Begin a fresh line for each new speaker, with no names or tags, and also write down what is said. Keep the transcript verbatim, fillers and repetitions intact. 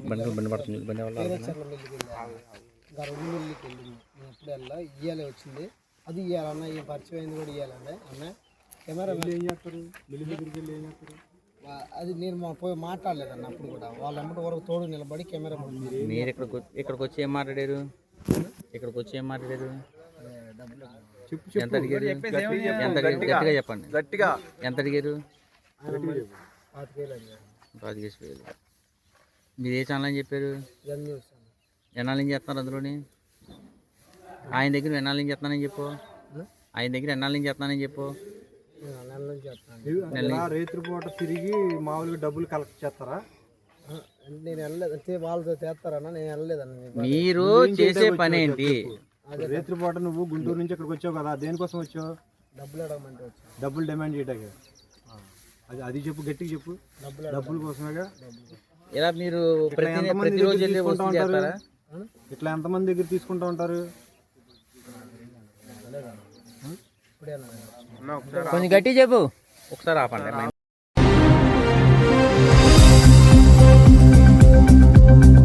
బండి బండి పడుతుంది బండి వల్ల
పేరేచర్ల మిల్లుకి వెళ్ళాను ఇంకా రెండు మిల్లుకి వెళ్ళింది నేను ఎప్పుడు వెళ్ళా ఇయ్యాలే వచ్చింది అది ఇవ్వాలన్న ఈ పరిచయం అయింది కూడా ఇవ్వాలండి అన్న కెమెరా ఏం చేస్తారు మిల్లు దగ్గరికి వెళ్ళి ఏం చేస్తారు అది నేను మా పోయి మాట్లాడలేదన్న అప్పుడు కూడా వాళ్ళ అమ్మటి వరకు తోడు నిలబడి కెమెరా
మీరు ఇక్కడికి ఇక్కడికి వచ్చి ఏం మాట్లాడారు ఇక్కడికి వచ్చి ఏం మాట్లాడారు ఎంత అడిగారు ఎంత గట్టిగా చెప్పండి
గట్టిగా
ఎంత అడిగారు
పాతికేళ్ళు అడిగారు
పాతికేసి వేలు మీరు ఏ ఛానల్ అని చెప్పారు
న్యూస్
ఎన్నాళ్ళు ఏం చేస్తున్నారు అందులోని ఆయన దగ్గర ఎన్నాళ్ళు ఏం చేస్తున్నానని చెప్పు ఆయన దగ్గర ఎన్నాళ్ళు ఏం చేస్తున్నానని చెప్పు
నెల నుంచి చేస్తాను రైతు పూట తిరిగి మామూలుగా డబ్బులు కలెక్ట్ చేస్తారా నేను వెళ్ళలేదు అంటే వాళ్ళతో చేస్తారన్నా నేను వెళ్ళలేదన్న
మీరు చేసే పని ఏంటి
రైతు పూట నువ్వు గుంటూరు నుంచి ఇక్కడికి వచ్చావు కదా దేనికోసం వచ్చావు డబ్బులు అడగమంటే వచ్చావు డబ్బులు డిమాండ్ చేయడానికి అది అది చెప్పు గట్టిగా చెప్పు డబ్బులు డబ్బుల కోసమేగా
ఇలా మీరు ప్రతి ప్రతిరోజు వెళ్ళి వసూలు చేస్తారా
ఇట్లా ఎంతమంది దగ్గర తీసుకుంటూ ఉంటారు
కొంచెం గట్టి చెప్పు ఒకసారి ఆపండి.